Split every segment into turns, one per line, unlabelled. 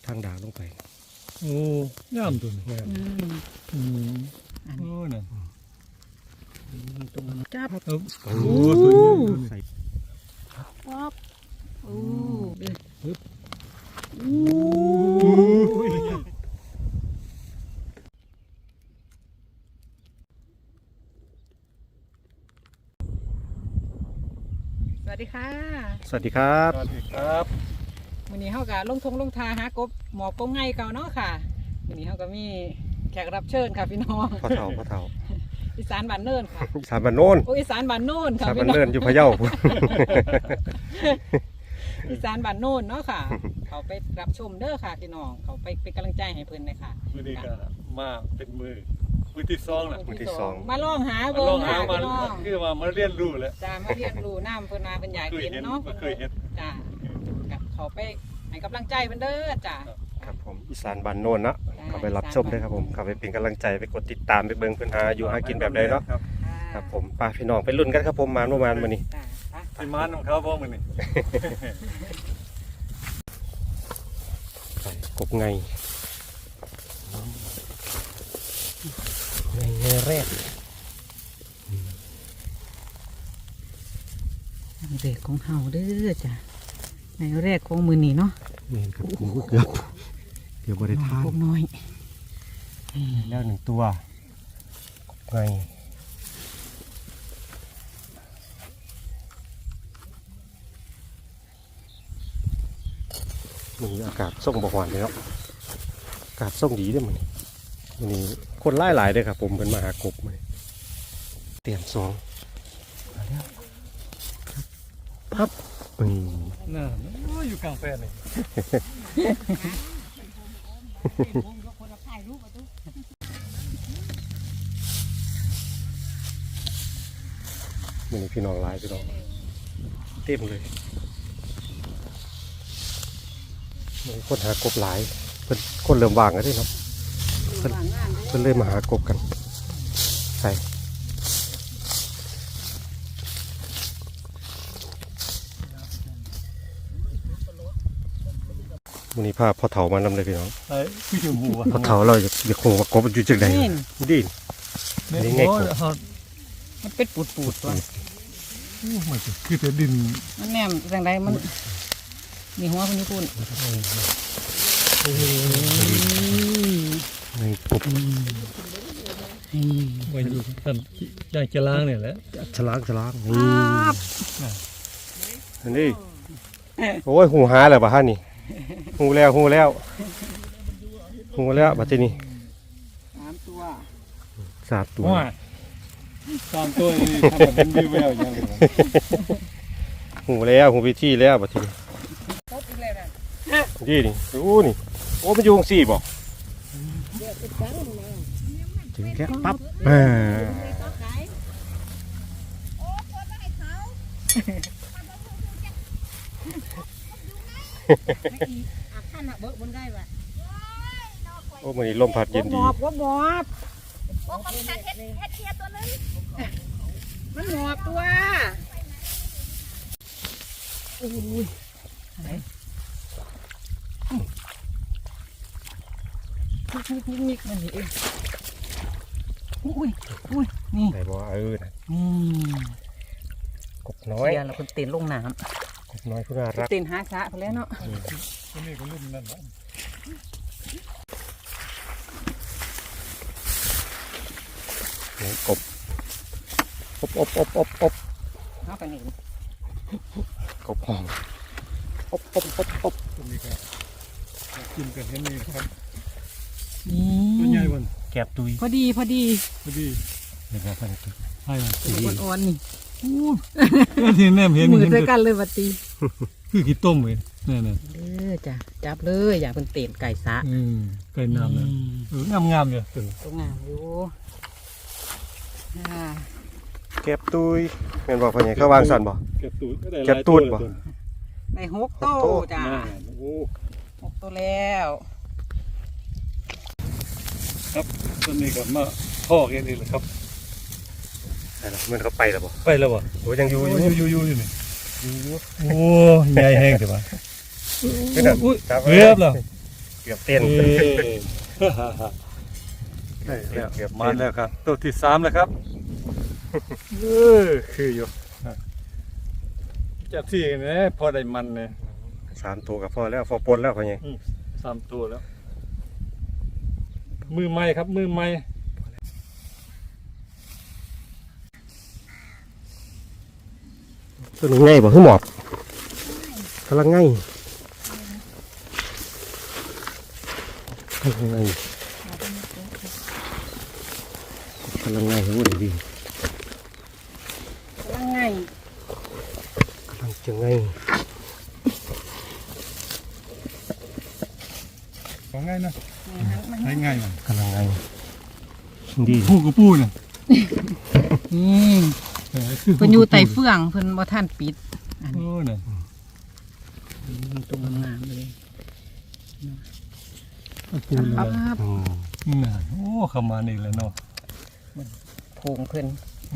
างด่างลงไป
โอ้งามตัวนี้โอ้นั่น
จับ
โอ้สวยงามใส่
ป๊อบโอ้สวัสดีค่ะ
สวัสดีครับ
สวัสดีครับ
วันนี้เขาก็ลงทาหากบหมอบกบไงเก่าเนาะค่ะวันนี้เขาก็มีแขกรับเชิญค่ะพี่น้อง
พ่อเฒ่า
อีสานบ้านเนินค่ะ
อีสานบ้านโน่น
โอ้อีสานบ้านโน่น
อี
ค่ะ
สาน
พี่
บ้าน
น้อง
เนินอยู่พะเยา
อีสานบ้านโน่นเนาะค่ะ เขาไปรับชมเด้อค่ะพี่น้องเขาไปเป็นกำลังใจให้เพิ่นเลยค่ะ
วันนี้ก็มาเป็นมือที่สองแหละ
มือที่สอง
มาลองหา
มา
เบิ่
ลอง งหา
ค่ะ
มา
พี่น้อง
คือมาเรียนรู้แหละ
จ้ามาเรียนรู้น้ำเพิ่นมาเป็นอยากเห็นเนาะ
เคยเห็น
จ้ากับเขาไปให้กำลังใจเพิ่นเด้อจ้า
ครับผมอีสานบ้านโน่นเนาะเข้าไปรับชมด้วยครับผมเข้าไปเป็นกำลังใจไปกดติดตามไปเบิ่งเพิ่นหาอยู่หากินแบบใดเนาะครับผมป้าพี่น้องไปลุ้นกันครับผมมาเมื่อวานมื้อนี้
จ้าไป
ที่มันของเขาพ่อมันนี่
ใส่กบไงแรก
เด็กของเฮาเด้อจ้าในแรกของมือนี้เนาะ
เห็นครับเกือบบริทาน
พวกน้อย
แล้ว1ตัวกบไงมีอากาศส่งบ่หวานเลยเนาะอากาศส่งดีด้วยมันนี่คนหลายเลยครับผมเป็นมาหากบมาเตรียมสองมาแล้วปั๊บ
น่าอยู่กลางแปลงนี่
มันพี่น้องหลายพี่น้องเต็มเลยมันคนหากบหลายเป็นคนเริ่มว่างแล้วด้วยเนาะเพิ่นเลยมาหากบกันใส่วันนี้พาพ่อเฒ่ามานำเลยพี่น้อง
ไอ้พี่ชมพูอ่ะ
พ่อเฒ่าเราอยากคงว่ากบอยู่จังใดดินี่ไงกบ
มันเป็นปูดตัว
มันคือแต่ดิน
มันแนมจังไดมันมีหัวคนญี่ปุ่น
ในกบ
ไว้อยู่ท่านย่างจะล้างเนี่ยแหละ
ฉลางนี่โอ้ยหูหาแล้วป่ะฮะนี่หูแล้วบัดทีนี้
3 ตัว
3 ตัว
ว่า3 ตัวนี่ทำแบบเป็นวิวแววอย่างนี้
หูวิธีแล้วบัดทีนี้
ครบอีกแล้วนะ
นี่โอ้มันอยู่4บ่ถึงแค่ปั๊บโอ้มันนี่ลมพัดเย็นดี
หมอบ
โอ้ผมจะเฮ็ดเทียตัวนึง
มันหมอบตัวนิกมันนี่เองอุ้ยนี่
ไหนบอกนะ
นี่
กบน้อย
เดี๋ยวเราคนเต้นลงน้
กบน้อยผู้น่ารัก
ำเต้นหาสะไปแล้วเนาะ
ตัวนี้ก็รุ่นนั่นแหละ
กบอบ
เอาไปนี่
กบห้องอบ
ตัวนี้ก็กินกันเห็นนี่ครับ
นี่
ตัวใหญ่วัน
แกบตุย
พอดี
พอดี
เดี๋ยวพันตุย
ให้วัน
อ่อนๆนี่
ที่แนมเห็น
มือด้วยกันเลยวัดตี
คือขี้ต้มเลยนี่
เด้อจ้ะจับเลยอย่าเป็นเต้นไก่สะ
ไก่น้ำเลยงามอยู่ตัว
ตรงงามอยู่
แกบตุยแม่นบอกพ่อใหญ่เขาวางสั่นบ่
เก็บตูด
เก็บตูดบ่
ใน6 โตจ้ะ
โอ้
6 โตแล้ว
ครับตัวนี้ก็มาพ่อกันนี่แหละครับ
ใช่แล้วมันเขาไปแล้วบ่
ไปแล้วบ่
โอ้ยังอยู่
อยู่นี่โอ้ใหญ่แห้งใช่ปะ
ขึ้นน่ะ
เรียบแล้ว
เกืกือบเต้น
ได้แล้วเก็บมาแล้วครับ ตัวที่สามแล้วครับคืออยู่จะที่นี่พอได้มันเลย
3 ตัวกับพอแล้วพอปนแล้วพอยัง
3 ตัวแล้ว มือไม้ครับมือไม้
ตัวนี้ง่ายบ่คือหมอบกำลังง่ายกำลังง่ายกำลังง่ายรู้ดี
กำลังไง
กำลังจะง่าย
ว่าง่ายนะง่ายมัน
กำลังง่ายดี
ผู้กับผู้น่ะ
นี่เพิ่นอยู่ไต่เฟื่องเพิ่นบ่ทันปิดอัน
โอ้
นี้
น่ะ
ตัวงามเลย
ผู้เลย
ปั๊บ
น่ะโอ้เข้ามานี่แล้วเนาะ
โพงเพิ่น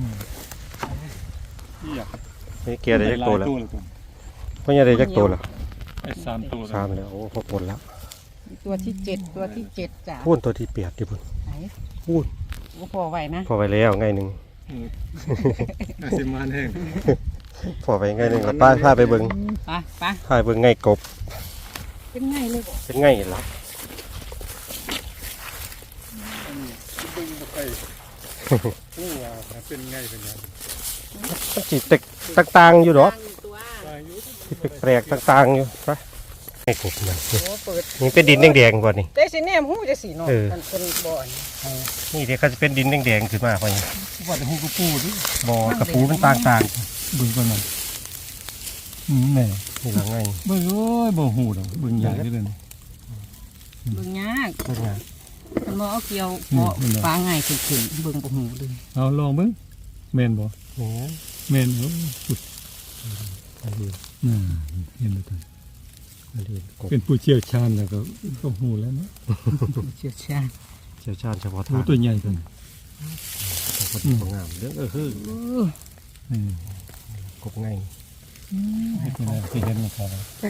อยาก
นี่เกียร์ได้จักตัวแล้ว
ตัว
พ่อยังได้จักตัวแล้ว
ไอ้3 ตัว
3แล้วโอ้พอปนแล้ว
ตัวที่เจ็ดตัวที่เจ็ดจ้ะ
พูนตัวที่8ที่พุ่น
ไหน
พูน
โอ้พอไหวนะ
พอไปแล้วง่ายหนึง
อาสิมานแห้ง
พอไปง่ายหนึงแล้วป้าพาไปเบิ่ง
ไปไป
พาไปเบิ่งง่ายกบ
เป็นไงเลยบ่
เป็นง่ายล่ะ
ดึงบ่ไปนี่ว่าเป็นไงเป็นไง
มันสิต่างๆอยู่ดอก
ตัว
ตายอยู่
สิแปลกๆต่างๆอยู่ไปง่ายกบมัน
โอ้เปิด
นี่เป็นดินแดงๆกว่านี่
ได้สิแนมหูจะสีเนาะ
เออ
มันเป็นบ่อน
นี่เดี๋ยวเขาจะเป็นดินแดงๆขึ้นมาพอยัง
ว่าแต่ฮู้กับผู้ดิ
บ่อกระปูมันต่าง
เบิ่งก่อนมันแน่
ๆนี่ละง่าย
เบิ่งโอ้ยบ่ฮู้ดอกเบิ่งใหญ่เลยนี่
เบิ่งยาก
เป็นไง
มันบ่เอาเกี่ยวบ่ฟ้าง่ายขึ้นๆเบิ่งบ่หูเลย
เอาลองเบิ่งแม่นบ่
โอ้
แม่นบ่อุ๊ย
อันนี้
น่าเห็นแล้วตัว
อันนี้กบ
เป็นผู้เชี่ยวชาญแล้วก็ฮู้แล้วเนาะ
เชี่ยวชาญ
เชี่ยวชาญเฉพาะ
ผู้
ทาง
ตัวใหญ่ตัวนี้
กบดีงามเด้อคือ
อืม
กบง่าย
ให้เป็นอะไรที่เห็นมันครับ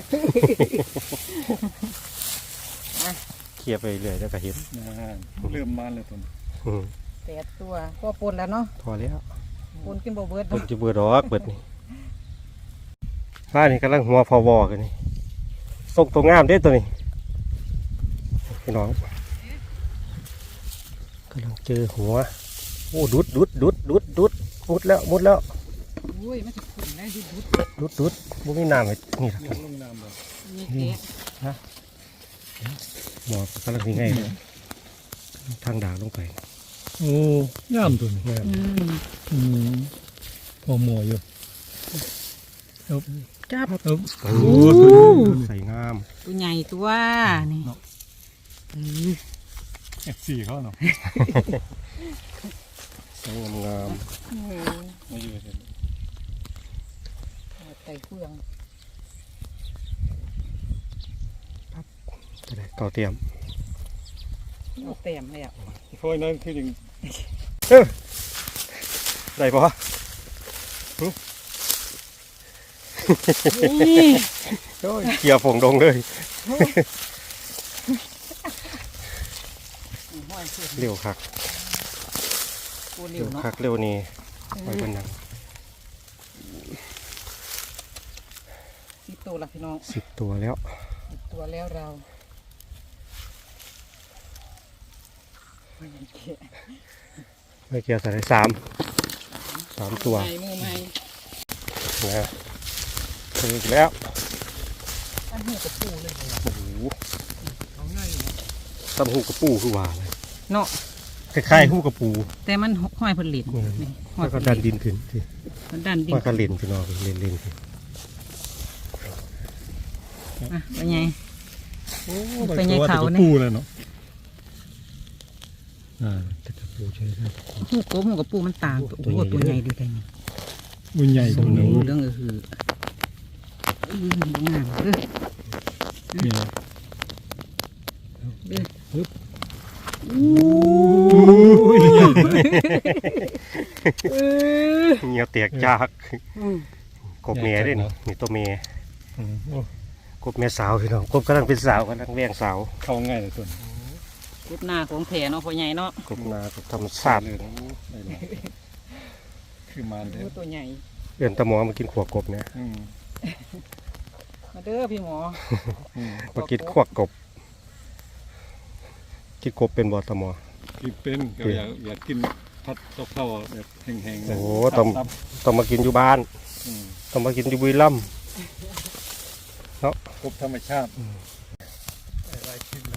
เคลียร์ไปเรื่อยแล้วก็เห็น
เริ่มมาแล้วตัวนี้
อืม
8ตัวพอปนแล้วเนาะ
พอแล้ว
ปนกินบ่เบิด
เปิดจะเบื่อดอกเปิดนี่บ้านนี่กำลังหัวพอวอกันนี่ส่งตัวงามเด้อตัวนี้พี่น้องกำลังเจอหัวโอ้ดุดมุดแล้ว
อุ้ยมันสิขึ้นได้ดุด
ดุดบุ้มีน้ำไว้นี่ละ
ลงน้ำบ่
ๆนี่แกะ
หมอกกำลังยังไงเลยทางด่างลงไป
โอ้งามตัวนี้
งาม
อืมพอหมออยู่
จับ
เอา
โอ้ใส่งาม
ตัวใหญ่ตัวนี่
F4 เขาเนาะ
ใส่งาม
มาอยู่เห็น
ไต่เฟือง
ก็ได้เก่าเตรียม
เอาแต้มเลยอ่ะ
เพราะนั้นคืออย่าง
ได้ปะ
นี่
โอ้ยเกี่ยวฝงดงเลย
ห้อยขึ้น
เร็วคัก
ตัว
เร็
เร็ว
ว
เนาะ
คักเร็วนี่ไปเป็นหนัง
10ตัวละพี่น้อง
10 ตัวแล้ว
10ตัวแล้วเราไม่เห็นแกะ
ไม่เกี่ยวใส่ได้3ตัว
ใหม่มือใหม่
นะเจออีกแล้ว
อันนี้กับปูเลย
โอ้โห
เอาง่าย
ตำหูกระปูคือว่าเลย
เนาะ
คล้ายๆหูกระปู
แต่มันห้อยผลิตนี่ห้อย
แล้ว
ผ
ก็
ลิ
ดั
ต
นดินขึ้นสิ
มันดันดิน
ว่าก็เล่นพี่น้องเล่นขึ้น
อ่ะเป็นไง
โอ้
ไปไงเขาเนี่ย
ปูเลยเนาะ
แต่กระปูใช่ไหม
หูกบหูกับปูมันต่างตัวโอ้โหตัวใหญ่ดีแต่นี่
มันใหญ่ตรงนี้
เรื่องงามเด้อ
นี่
เด้อ
เงี้ยวเตียกจากกบเมียด้วยนี่ตัวเมีย
โอ้
กบแม่สาวพี่น้องกบกำลังเป็นสาวกำลังแว่งสาว
เข้าง่ายเลยตัวนี้
กบหน้าของแผ่เนาะพ่อใหญ่เนาะ
กบนากบธรรมชาติ
เลยนะได้หลายคือมันเด้
โอ้
อ
ตัวใหญ่
เอื่นตะหมอมากินขวกบเนี่ย
มาเด้อพี่หมอ
มากินขวกบกินกบเป็นบ่ตะหมอ
กินเป็นก็อยากกินผัดกับข้าวแบบแห้งๆ
โอ้
นะ
โหต้องมากินอยู่บ้าน
อืม
ต้องมากินอยู่บุรีรัมย์
กบธรรมชาติได้หลายชิ้นแล้ว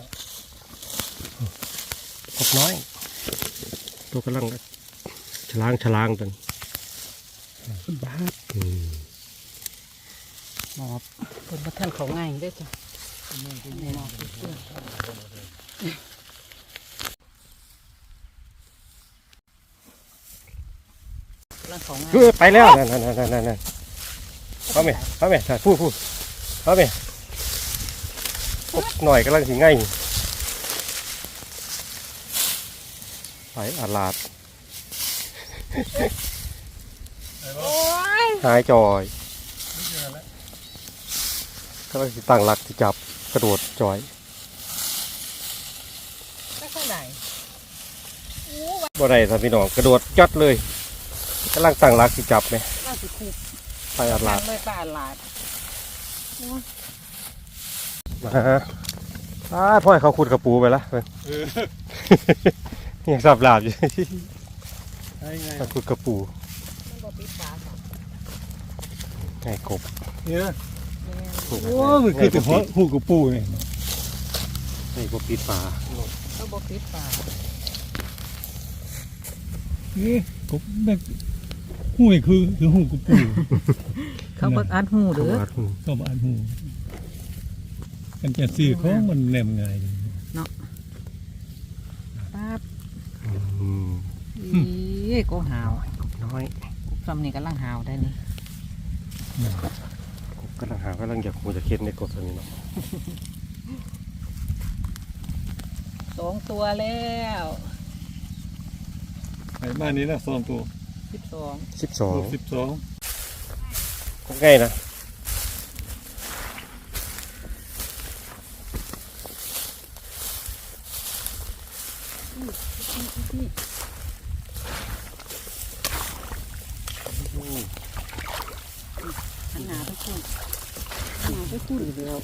กบน้อย ตัวกำลังฉลางตันบ้า
หมอเพิ่นบ่ทันเขาง่ายเด้อจ้ะหมอร่างเขาง่าย
ไปแล้วนั่นเข้าไหมพูดเข้าไหมกบหน่อยกำลังสิง่ายไปอาลาด
โอ้ย
หายจอยก็เลยตั้งหลักที่จับกระโดดจอย
ไปข้างไหน
บ่ได้ท่านพี่น้องกระโดดจัดเลยกำลังตั้งหลักที่จับไหม
ล่าสิคู
ไปอาลาด
ไม่ปลาหลาด
มาฮะพ่อให้เขาขุดกระปูไปละ ยังสับหลาบอยู่
ได้ไง
เขาขุดกระปู
มันบ่ปิดฝาค่ะ
ไงกบ
เนี่ย
โอ้
โอ้มันคือแต่หูกับปูนี่
ไงกบปิดฝา
เขาบ่ปิดฝา
นี่กบแบบหูนี่คือหูกับปู
เขาบ่อัดหูเด้อ
ก็มาอ่านหูกันจะซื้อเขามันแนมง่าย
ปั๊บ
อืม
อีก็หาว
กบน้อย
ซ้ำนี่กำลังหาวได้นี่
กบกำลังหากำลังอยากหูจะเค็ดในกบตัวนี้เนาะ
2 ตัวแล้ว
ไอ้บ้านนี้นะ2 ตัว
12
12
12
กบง่ายนะ
หันหน้าไปคุณหันหน้าไปคุณเดียว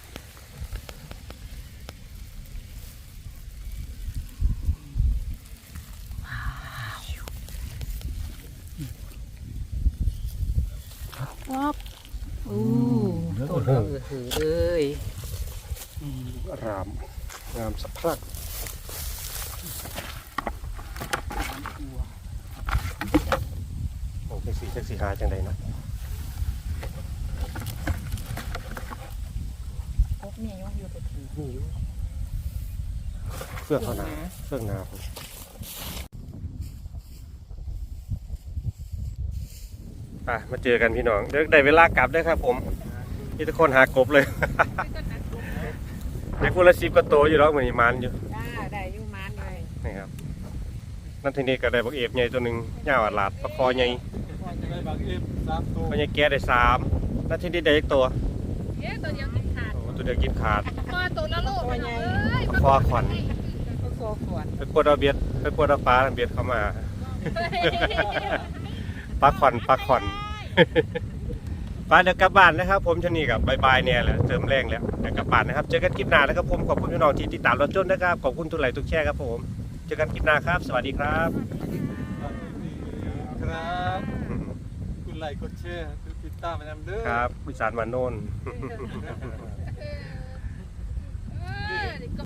ว้าวอู้ต้นก็หือเลย
รามงามสะพรั่งโอ้เป็นสีจักสีหาจังใดเนาะ
พบนี่อยู่ตัวถือ
นี่อยู่เฟื่องเขาหนาเฟื่องหนาผมไปมาเจอกันพี่น้องเดี๋ยวได้เวลากลับได้อครับผมนี่ทุกคนหากบเลย เด็กคนละ10 กว่าโตวอยู่แล้วเหมือนมันอยู่
จ้าได้อยู่มานเลย
นี่ครับนั่นทีนี้ก็ได้บักเอฟใหญ่ตัวหนึ่งย่าวอัดลาดปลาคอใหญ่
ได้บางเอฟ3 ตัว
ปลาใหญ่แก่ได้3นั่นทีนี้ได้อีกตัว
เอ๊ะตัวเดียวกินขาด
โอ้ตัวเดียวกินขาด
พอตัวละโลกไปหน่อยเอ้ย
ปลาคอขวัญ
ก็โซขวด
ไปปวดเอาเบียดไปปวดเอาปลาเบียดเข้ามา ปลาขวัญปลาขวัญ ไปเดี๋ยวกลับบ้านนะครับผมชนีกับบายเนี่ยแหละเติมแรงแล้วเดี๋ยวกลับบ้านนะครับเจอกันคลิปหน้านะครับผมขอบคุณพี่น้องที่ติดตามเราจนนะครับขอบคุณทุกไลค์ทุกแชร์ครับผมเจอกันคลิปหน้าครับ สวัสดีครับ
ครับคุณไลค์กดแชร์กดติดตามไปนำเด้อ
ครับวิสานมาโน่น
เออ